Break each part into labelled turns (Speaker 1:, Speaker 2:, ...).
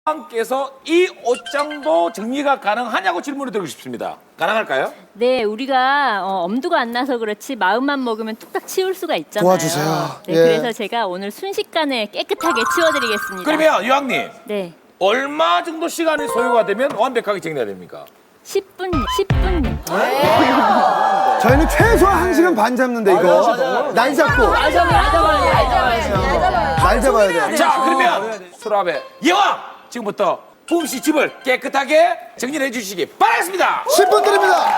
Speaker 1: 께서 이 옷장도 정리가 가능하냐고 질문을 드리고 싶습니다. 가능할까요?
Speaker 2: 네, 우리가 엄두가 안 나서 그렇지 마음만 먹으면 뚝딱 치울 수가 있잖아요.
Speaker 3: 도와주세요.
Speaker 2: 네,
Speaker 3: 예.
Speaker 2: 그래서 제가 오늘 순식간에 깨끗하게 치워드리겠습니다.
Speaker 1: 그러면 유학님
Speaker 2: 네,
Speaker 1: 얼마 정도 시간이 소요가 되면 완벽하게 정리가 됩니까?
Speaker 2: 10분.
Speaker 3: 저희는 최소한 1시간 반 잡는데 이거 날 잡고 날 잡아야 돼.
Speaker 1: 자 그러면 수라베 예왕 지금부터 부음 씨 집을 깨끗하게 정리를 해주시기 바라겠습니다.
Speaker 3: 10분 드립니다.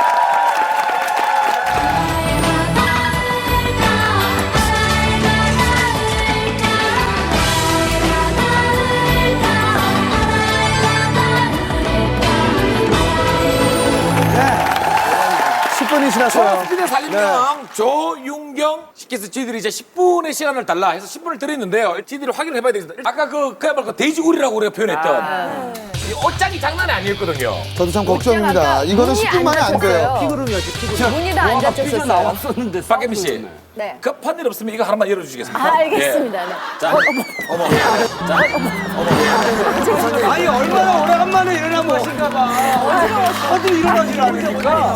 Speaker 3: 네. 10분이 지났어요.
Speaker 1: 스피드 살림명 조윤경 씨께서 저희들이 이제 10분의 시간을 달라 해서 10분을 드렸는데요. 저희들이 확인을 해봐야 되겠습니다. 아까 그야말로 돼지고리라고 우리가 표현했던 이 옷장이 장난이 아니었거든요.
Speaker 3: 저도 참 걱정입니다. 이거는 10분 만에 안 돼요.
Speaker 4: 문이 다 안 닫혔었어요.
Speaker 5: 나왔었는데
Speaker 1: 박혜미 씨,
Speaker 4: 네.
Speaker 1: 급한 일 없으면 이거 하나만 열어주시겠습니까?
Speaker 4: 아, 알겠습니다. 네.
Speaker 1: 자,
Speaker 5: 아니 얼마나 오래간만에 일어난 것인가 봐. 어디 일어나질 않으니까.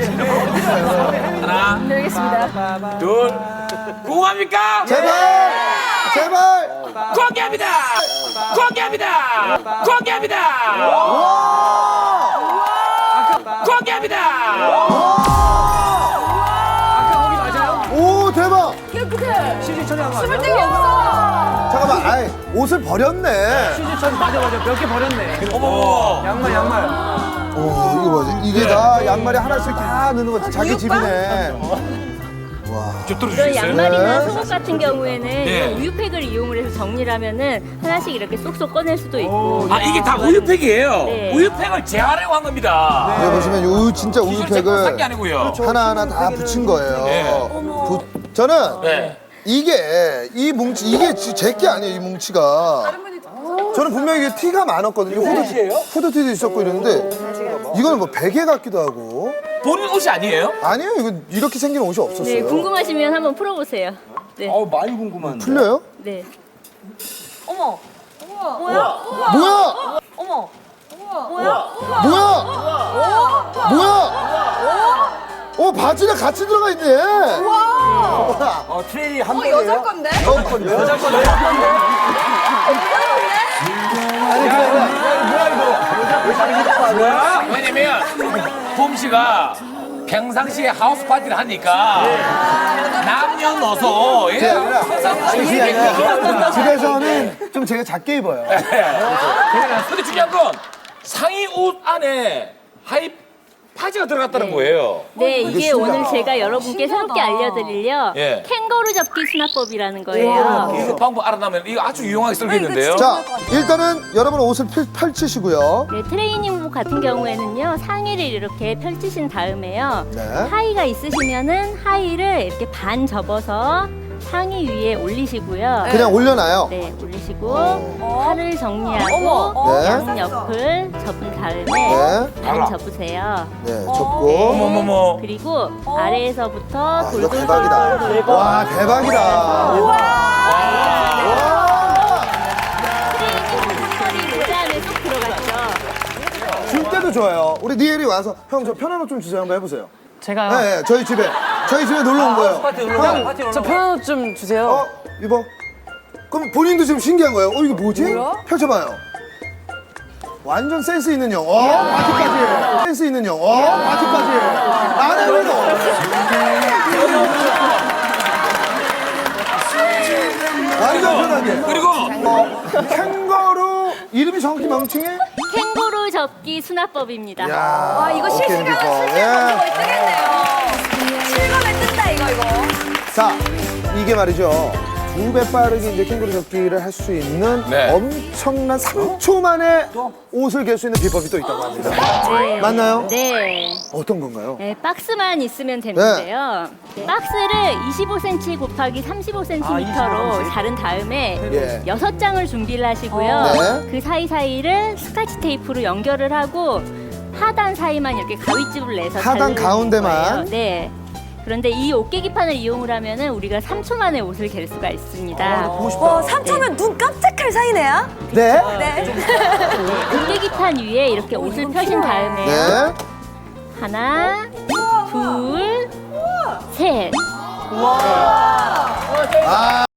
Speaker 1: 하나,
Speaker 4: 알겠습니다.
Speaker 1: 둘, 궁금합니까?
Speaker 3: 제발! 제발!
Speaker 1: 공개합니다! 공개합니다! 공개합니다! 공개합니다!
Speaker 3: 오, 대박!
Speaker 4: 깨끗해.
Speaker 5: 시즌 처리한 거
Speaker 4: 숨을
Speaker 5: 아니야?
Speaker 4: 데가 없어.
Speaker 3: 잠깐만, 아이, 옷을 버렸네.
Speaker 5: 시즌 처리 맞아 몇 개 버렸네.
Speaker 1: 어머,
Speaker 5: 양말.
Speaker 3: 오, 이거 뭐지? 이게 다 양말이 하나씩 다 넣는 거 자기 집이네.
Speaker 1: 좀
Speaker 2: 이런
Speaker 1: 들어주시겠어요?
Speaker 2: 양말이나
Speaker 3: 네.
Speaker 2: 속옷 같은 경우에는
Speaker 1: 네.
Speaker 2: 우유팩을 이용을 해서 정리를 하면은 하나씩 이렇게 쏙쏙 꺼낼 수도 있고.
Speaker 1: 아, 이게 다 우유팩이에요.
Speaker 2: 네.
Speaker 1: 우유팩을 재활용한 겁니다.
Speaker 3: 여기 보시면 요 진짜
Speaker 1: 기술 제품 산게
Speaker 3: 우유팩을
Speaker 1: 아니고요.
Speaker 3: 하나하나 다 붙인 거예요.
Speaker 1: 네.
Speaker 3: 저는
Speaker 1: 네.
Speaker 3: 이게 이 뭉치 이게 제 게 아니에요, 이 뭉치가. 저는 분명히 이게 티가 많았거든요. 후드티도 있었고 이랬는데 이거는 뭐 베개 같기도 하고.
Speaker 1: 본인 옷이 아니에요?
Speaker 3: 아니에요, 이거 이렇게 생긴 옷이 없었어요.
Speaker 2: 네, 궁금하시면 한번 풀어보세요. 네,
Speaker 5: 많이 궁금한데.
Speaker 3: 풀려요?
Speaker 2: 네.
Speaker 4: 어머. 뭐야?
Speaker 3: 뭐야?
Speaker 4: 어머.
Speaker 3: 뭐야? 뭐야? 바지랑 같이 들어가 있네.
Speaker 5: 트레이 한
Speaker 4: 여자 건데?
Speaker 5: 여자 건데.
Speaker 1: 왜냐면 봄씨가 평상시에 하우스 파티를 하니까 남녀노소 예? 항상
Speaker 3: 집에서는 좀 제가 작게 입어요.
Speaker 1: 근데 중요한 건 상의 옷 안에 하이 파지가 들어갔다는 거예요.
Speaker 2: 네, 이게
Speaker 3: 신기하다.
Speaker 2: 오늘 제가 여러분께 새롭게 알려드릴요
Speaker 1: 예.
Speaker 2: 캥거루 접기 수납법이라는 거예요.
Speaker 1: 이 방법 알아나면 이거 아주 유용하게 쓰겠는데요.
Speaker 3: 자, 일단은 여러분 옷을 펼치시고요.
Speaker 2: 네, 트레이닝복 같은 경우에는요 상의를 이렇게 펼치신 다음에요
Speaker 3: 네.
Speaker 2: 하의가 있으시면은 하의를 이렇게 반 접어서 상의 위에 올리시고요.
Speaker 3: 그냥 올려놔요.
Speaker 2: 네, 올리시고 팔을 정리하고
Speaker 4: 어머.
Speaker 3: 네.
Speaker 2: 양 옆을 접은 다음에
Speaker 3: 네.
Speaker 2: 반 접으세요.
Speaker 3: 네, 접고.
Speaker 1: 어머머머.
Speaker 2: 그리고 아래에서부터
Speaker 3: 와, 이거
Speaker 2: 돌돌돌
Speaker 3: 대박이다.
Speaker 2: 돌고
Speaker 3: 와, 대박이다.
Speaker 2: 트레이닝 털이 모자 안에 쏙 들어갔죠.
Speaker 3: 줄 때도 좋아요. 우리 니엘이 와서 형 저 편한 옷 좀 주세요. 한번 해보세요.
Speaker 6: 제가요?
Speaker 3: 네, 네, 저희 집에 놀러 온 거예요.
Speaker 5: 파티 놀러 가. 파티 놀러
Speaker 6: 저
Speaker 5: 가.
Speaker 6: 편한 옷 좀 주세요.
Speaker 3: 입어. 그럼 본인도 지금 신기한 거예요. 이게 뭐지? 펼쳐봐요. 완전 센스 있는 형. 바지까지. 센스 있는 형. 바지까지. 안에 그래도. 완전 편하게.
Speaker 1: 그리고
Speaker 3: 캥거루 이름이 정확히 멍충이?
Speaker 2: 캥거루 접기 수납법입니다.
Speaker 4: 와, 이거 실시간으로
Speaker 3: 예.
Speaker 4: 검색어 뜨겠네요. 실감에 뜬다, 이거.
Speaker 3: 자, 이게 말이죠. 2배 빠르게 이제 캥거루 접기를 할 수 있는
Speaker 1: 네.
Speaker 3: 엄청난 3초 만에 옷을 갤 수 있는 비법이 또 있다고 합니다.
Speaker 2: 네.
Speaker 3: 맞나요?
Speaker 2: 네.
Speaker 3: 어떤 건가요?
Speaker 2: 네, 박스만 있으면 되는데요. 박스를 25cm 곱하기 35cm로 자른 다음에
Speaker 3: 예.
Speaker 2: 6장을 준비를 하시고요.
Speaker 3: 네.
Speaker 2: 그 사이사이를 스카치 테이프로 연결을 하고 하단 사이만 이렇게 가위집을 내서
Speaker 3: 하단
Speaker 2: 자르는
Speaker 3: 가운데만?
Speaker 2: 거예요. 네. 그런데 이 옷깨기판을 이용을 하면은 우리가 3초 만에 옷을 갤 수가 있습니다.
Speaker 3: 보고 싶다.
Speaker 4: 와, 3초면 눈 깜짝할 사이네요.
Speaker 3: 네.
Speaker 4: 네.
Speaker 2: 옷깨기판 위에 이렇게 옷을 펴신 다음에
Speaker 3: 네.
Speaker 2: 하나, 둘, 셋.